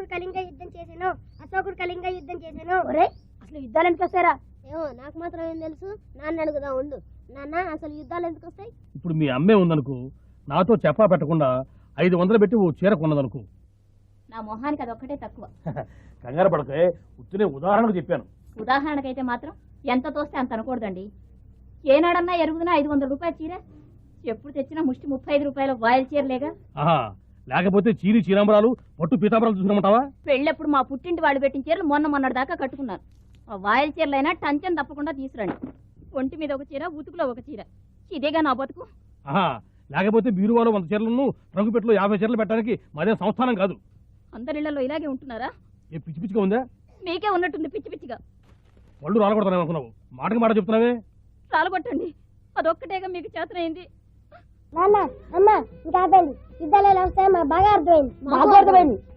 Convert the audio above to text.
అశోకుడు కళింగ యుద్ధం చేశాను, అశోకుడు కళింగ యుద్ధం చేశాను. ఒరే అసలు యుద్ధాలు ఎందుకు వస్తారా? ఏమో నాకు మాత్రం ఏం తెలుసు, నాన్న అడుగుదా ఉండు. నాన్న అసలు యుద్ధాలు ఎందుకు వస్తాయి? ఇప్పుడు మీ అమ్మే ఉందనుకో, నాతో చెప్పా పెట్టకుండా 500 పెట్టి ఓ చీర కొన్నదనుకో. నా మొహానికి అదొక్కటే తక్కువ. కంగారు పడకే, ఉత్తినే ఉదాహరణకు చెప్పాను. ఉదాహరణకైతే మాత్రం ఎంత తోస్తే అంత అనకూడదండి. ఏనాడన్నా ఎరుగుదనా 500 రూపాయల చీర, ఎప్పుడు తెచ్చినా ముష్టి 35 రూపాయల వాయిల్ చీరలేగా. లేకపోతే చీరి చీరాంబరాలు పట్టు పీతాంబరాలు చూసుకుంటావా? పెళ్ళెప్పుడు మా పుట్టింటి వాళ్ళు పెట్టిన చీరలు మొన్నటి దాకా కట్టుకున్నాను. ఆ వాయిల్ చీరలైనా టంచన్ తప్పకుండా తీసుకురండి. ఒంటి మీద ఒక చీర, ఉతుకులో ఒక చీర, ఇదేగా నా బతుకు. లేకపోతే బీరువాలో 100 చీరలను, రంగుపెట్టలో 50 చీరలు పెట్టడానికి మాదే సంస్థానం కాదు. అందరిళ్లలో ఇలాగే ఉంటున్నారా? ఏ పిచ్చి పిచ్చిగా ఉందా? మీకే ఉన్నట్టుంది పిచ్చి పిచ్చిగా. వాళ్ళు రాలగొడతానే అనుకున్నావు, మాటకి మాట చెప్తున్నావే. రాలగొట్టండి, అదొక్కటేగా మీకు చేతనైంది. నాన్న అమ్మ ఇంకా ఆపండి, యుద్ధాలు ఎలా వస్తాయో మాకు బాగా అర్థమైంది.